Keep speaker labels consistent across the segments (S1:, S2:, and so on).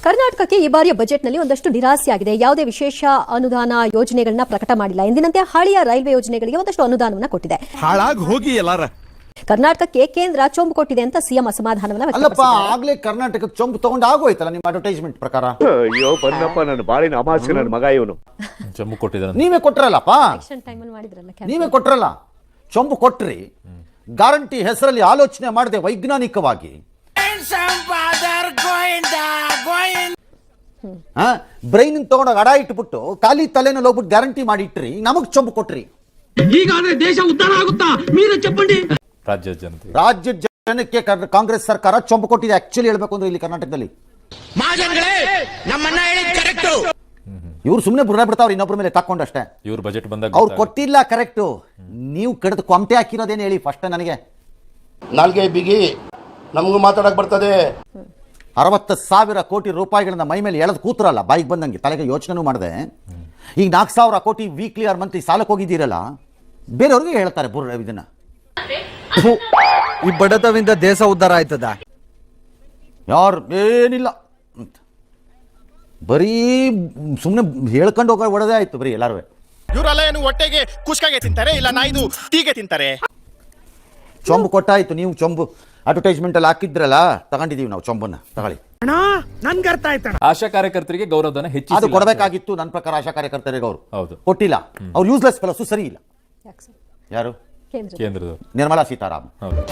S1: ಕರ್ನಾಟಕಕ್ಕೆ ಈ ಬಾರಿಯ ಬಜೆಟ್ನಲ್ಲಿ ಒಂದಷ್ಟು ನಿರಾಸೆಯಾಗಿದೆ. ಯಾವುದೇ ವಿಶೇಷ ಅನುದಾನ ಯೋಜನೆಗಳನ್ನ ಪ್ರಕಟ ಮಾಡಿಲ್ಲ. ಎಂದಿನಂತೆ ಹಳೆಯ ರೈಲ್ವೆ ಯೋಜನೆಗಳಿಗೆ ಒಂದಷ್ಟು ಅನುದಾನವನ್ನ ಕೊಟ್ಟಿದೆ.
S2: ಹಾಳಾಗಿ ಹೋಗಿ ಎಲ್ಲಾರ
S1: ಕರ್ನಾಟಕಕ್ಕೆ ಕೇಂದ್ರ ಚೊಂಬು ಕೊಟ್ಟಿದೆ ಅಂತ ಸಿಎಂ ಅಸಮಾಧಾನವನ್ನ ವ್ಯಕ್ತಪಡಿಸಿದ್ದಾರೆ.
S3: ಆಗ್ಲೇ ಕರ್ನಾಟಕಕ್ಕೆ ಚೊಂಬು ತಗೊಂಡು ಆಗೋಯ್ತಲ್ಲ ನಿಮ್ಮ ಅಡ್ವರ್ಟೈಸ್ಮೆಂಟ್ ಪ್ರಕಾರ.
S4: ಅಯ್ಯೋ ಬಂದಪ್ಪ ನನ್ನ ಬಾಳಿನ ಅಮಾಸ್ಯ ನನ್ನ ಮಗ ಇವನು
S2: ಜಮ್ಮು ಕೊಟ್ಟಿದ್ದಾರೆ.
S3: ನೀವೇ ಕೊಟ್ರಲ್ಲಪ್ಪ,
S1: ಎಲೆಕ್ಷನ್ ಟೈಮಲ್ಲಿ ಮಾಡಿದ್ರಲ್ಲ,
S3: ನೀವೇ ಕೊಟ್ರಲ್ಲ, ಚೊಂಬು ಕೊಟ್ರಿ. ಗ್ಯಾರಂಟಿ ಹೆಸರಲ್ಲಿ ಆಲೋಚನೆ ಮಾಡದೆ ವೈಜ್ಞಾನಿಕವಾಗಿ ಬ್ರೈನ್ ತಗೊಂಡೋಗಿ ಅಡ ಇಟ್ಬಿಟ್ಟು ಖಾಲಿ ತಲೆನಲ್ಲಿ ಹೋಗ್ಬಿಟ್ಟು ಗ್ಯಾರಂಟಿ ಮಾಡಿ ಇಟ್ರಿ, ನಮಗ್ ಚೊಂಬು ಕೊಟ್ರಿ.
S5: ಹೀಗಾದ್ರೆ ದೇಶ ಉದ್ಧಾರ ಆಗುತ್ತಾ? ಮೀರ ಚಪ್ಪಂಡಿ
S3: ರಾಜ್ಯ ಜನಕ್ಕೆ ಕಾಂಗ್ರೆಸ್ ಸರ್ಕಾರ ಚೊಂಬು ಕೊಟ್ಟಿದೆ. ಆಕ್ಚುಲಿ ಹೇಳ್ಬೇಕು ಅಂದ್ರೆ ಇಲ್ಲಿ ಕರ್ನಾಟಕದಲ್ಲಿ ಇವ್ರು ಸುಮ್ಮನೆ ಬುಡ ಬಿಡ್ತಾವ್ರು ಇನ್ನೊಬ್ಬರ ಮೇಲೆ ತಕೊಂಡಷ್ಟೇ.
S2: ಇವ್ರ ಬಜೆಟ್ ಬಂದಾಗ
S3: ಅವ್ರು ಕೊಟ್ಟಿಲ್ಲ, ಕರೆಕ್ಟ್. ನೀವು ಕಡಿದು ಕೊಂಟೆ ಹಾಕಿರೋದೇನು ಹೇಳಿ ಫಸ್ಟ್ ನನಗೆ.
S6: ನಾಲ್ಗೆ ಬಿಗಿ ನಮಗೂ ಮಾತಾಡಕ್ ಬರ್ತದೆ.
S3: 60,000 ಕೋಟಿ ರೂಪಾಯಿಗಳನ್ನ ಮೈ ಮೇಲೆ ಎಳೆದು ಕೂತ್ರಲ್ಲ, ಬಾಯಿಗೆ ಬಂದಂಗೆ ತಲೆಗೆ ಯೋಚನೆ ಮಾಡಿದೆ. ಈಗ 4,000 ಕೋಟಿ ವೀಕ್ಲಿ ಆರ್ ಮಂತ್ಲಿ ಸಾಲಕ್ಕೆ ಹೋಗಿದ್ದೀರಲ್ಲ, ಬೇರೆಯವ್ರಿಗೆ ಹೇಳ್ತಾರೆ ಇದನ್ನ.
S7: ಈ ಬಡತವಿಂದ ದೇಶ ಉದ್ಧಾರ ಆಯ್ತದ?
S3: ಯಾರು ಏನಿಲ್ಲ, ಬರೀ ಸುಮ್ಮನೆ ಹೇಳ್ಕೊಂಡು ಹೋಗೋ ಒಡದೇ ಆಯ್ತು ಬರೀ ಎಲ್ಲಾರು.
S8: ಇವರೆಲ್ಲ ಏನು ಹೊಟ್ಟೆಗೆ ಕುಷ್ಕಾಗೆ ತಿಂತಾರೆ, ಇಲ್ಲ ನಾಯ್ದು ಟೀಗೆ ತಿಂತಾರೆ.
S3: ಚೊಂಬು ಕೊಟ್ಟಾಯ್ತು. ನೀವು ಚೊಂಬು ಅಡ್ವರ್ಟೈಸ್ಮೆಂಟ್ ಅಲ್ಲಿ ಹಾಕಿದ್ರಲ್ಲ, ತಗೊಂಡಿದೀವಿ ನಾವು ಚೊಂಬನ್ನ. ತಗೊಳ್ಳಿ.
S5: ನನ್ಗೆ ಅರ್ಥ ಆಯ್ತಾ?
S2: ಆಶಾ ಕಾರ್ಯಕರ್ತರಿಗೆ ಗೌರವಧನ
S3: ಅದು
S2: ಹೆಚ್ಚಿಸಿ
S3: ಕೊಡಬೇಕಾಗಿತ್ತು ನನ್ನ ಪ್ರಕಾರ. ಆಶಾ ಕಾರ್ಯಕರ್ತರಿಗೆ ಅವರು
S2: ಹೌದು
S3: ಕೊಟ್ಟಿಲ್ಲ. ಅವ್ರು ಯೂಸ್ಲೆಸ್ ಫೆಲೋಸು, ಸರಿ ಇಲ್ಲ. ಯಾರು?
S2: ಕೇಂದ್ರದ
S3: ನಿರ್ಮಲಾ ಸೀತಾರಾಮನ್.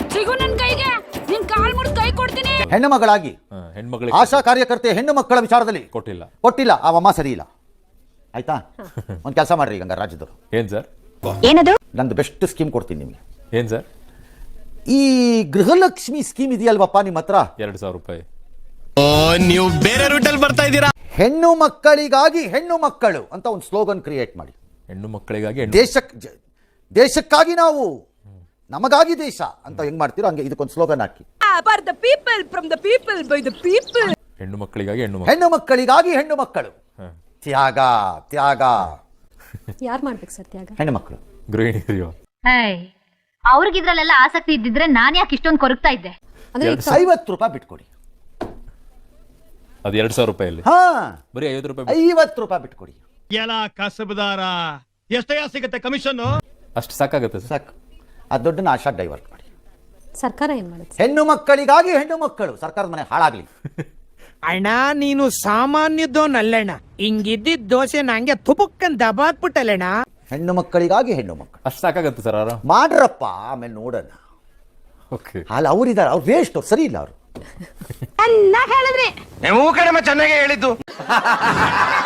S3: ಹೆಣ್ಣು ಮಗಳಾಗಿ
S2: ಹೆಣ್ಮಕ್ಳಿಗೆ
S3: ಆಶಾ ಕಾರ್ಯಕರ್ತೆ ಹೆಣ್ಣು ಮಕ್ಕಳ ವಿಚಾರದಲ್ಲಿ ಕೊಟ್ಟಿಲ್ಲ. ಆ ಅಮ್ಮ ಸರಿ ಇಲ್ಲ. ಆಯ್ತಾ? ಒಂದ್ ಕೆಲಸ ಮಾಡ್ರಿ ಈಗ ರಾಜ್ಯದವರು.
S2: ಏನ್ ಸರ್?
S1: ಏನದು?
S3: ನಂದು ಬೆಸ್ಟ್ ಸ್ಕೀಮ್ ಕೊಡ್ತೀನಿ ನಿಮ್ಗೆ.
S2: ಏನ್ ಸರ್?
S3: ಈ ಗೃಹಲಕ್ಷ್ಮಿ ಸ್ಕೀಮ್ ಇದೆಯಲ್ವಪ್ಪ ನಿಮ್ಮ ಹತ್ರ,
S2: 2,000 ರೂಪಾಯಿ.
S8: ನೀವು ಬೇರೆ ರೂಟಲ್ಲಿ ಬರ್ತಾ ಇದ್ದೀರಾ.
S3: ಹೆಣ್ಣು ಮಕ್ಕಳಿಗಾಗಿ ಹೆಣ್ಣು ಮಕ್ಕಳು ಅಂತ ಒಂದು ಸ್ಲೋಗನ್ ಕ್ರಿಯೇಟ್ ಮಾಡಿ.
S2: ಹೆಣ್ಣು ಮಕ್ಕಳಿಗಾಗಿ
S3: ದೇಶಕ್ಕಾಗಿ ನಾವು, ನಮಗಾಗಿ ದೇಶ ಅಂತ ಹೆಂಗ್ ಮಾಡ್ತೀರೋ ಹಂಗೆ ಇದಕ್ಕೊಂದು ಸ್ಲೋಗನ್ ಹಾಕಿ.
S2: ಹೆಣ್ಣು ಮಕ್ಕಳಿಗಾಗಿ
S3: ಹೆಣ್ಣು ಮಕ್ಕಳಿಗಾಗಿ ಹೆಣ್ಣು ಮಕ್ಕಳು. ತ್ಯಾಗ ತ್ಯಾಗ
S1: ಯಾರು ಮಾಡ್ಬೇಕು ಸರ್ ತ್ಯಾಗ?
S3: ಹೆಣ್ಣು ಮಕ್ಕಳು,
S2: ಗೃಹಿಣಿಯರು.
S9: ಅವ್ರಿಗಿದ್ರಲ್ಲೆಲ್ಲ ಆಸಕ್ತಿ ಇದ್ದಿದ್ರೆ ನಾನ್ ಯಾಕೆ ಇಷ್ಟೊಂದು ಕೊರಗ್ತಾ ಇದ್ದೆ?
S1: ಅಂದ್ರೆ
S3: 50 ರೂಪಾಯಿ ಬಿಟ್ಕೊಡಿ.
S2: ಅದು 2,000 ರೂಪಾಯಲ್ಲಿ
S3: ಹಾ,
S2: ಬರೀ 50 ರೂಪಾಯಿ.
S3: 50 ರೂಪಾಯಿ ಬಿಟ್ಕೊಡಿ.
S8: ಎಲ್ಲ ಕಸಬದಾರ ಎಷ್ಟಯ್ಯ ಸಿಗುತ್ತೆ ಕಮಿಷನ್?
S2: ಅಷ್ಟು ಸಾಕಾಗುತ್ತೆ
S3: ಸಾಕು. ಆ ದುಡ್ಡನ್ನ ಆಶಾ ಡೈವರ್ಟ್ ಮಾಡಿ.
S1: ಸರ್ಕಾರ ಏನ್ ಮಾಡುತ್ತೆ?
S3: ಹೆಣ್ಣು ಮಕ್ಕಳಿಗಾಗಿ ಹೆಣ್ಣು ಮಕ್ಕಳು. ಸರ್ಕಾರದ ಮನೆ ಹಾಳಾಗ್ಲಿ.
S5: ಅಣ್ಣ ನೀನು ಸಾಮಾನ್ಯದೋನಲ್ಲಣ್ಣ, ಹಿಂಗಿದ್ದಿದ್ ದೋಸೆ ನಂಗೆ ತುಪಕ್ಕನ್ ದಬಾಕ್ಬಿಟ್ಟಲ್ಲಣ್ಣ.
S3: ಹೆಣ್ಣು ಮಕ್ಕಳಿಗಾಗಿ ಹೆಣ್ಣು ಮಕ್ಕಳು
S2: ಅಷ್ಟು ಸಾಕಾಗುತ್ತೆ ಸರ್. ಆರಾಮ್
S3: ಮಾಡ್ರಪ್ಪ, ಆಮೇಲೆ ನೋಡೋಣ. ಅಲ್ಲ ಅವ್ರಿದ್ದಾರೆ, ಅವ್ರು ವೇಸ್ಟ್, ಅವ್ರು ಸರಿ ಇಲ್ಲ. ಅವರು
S9: ಹೇಳಿದ್ರಿ
S8: ನೀವು ಕಡಿಮೆ ಚೆನ್ನಾಗೇ ಹೇಳಿದ್ದು.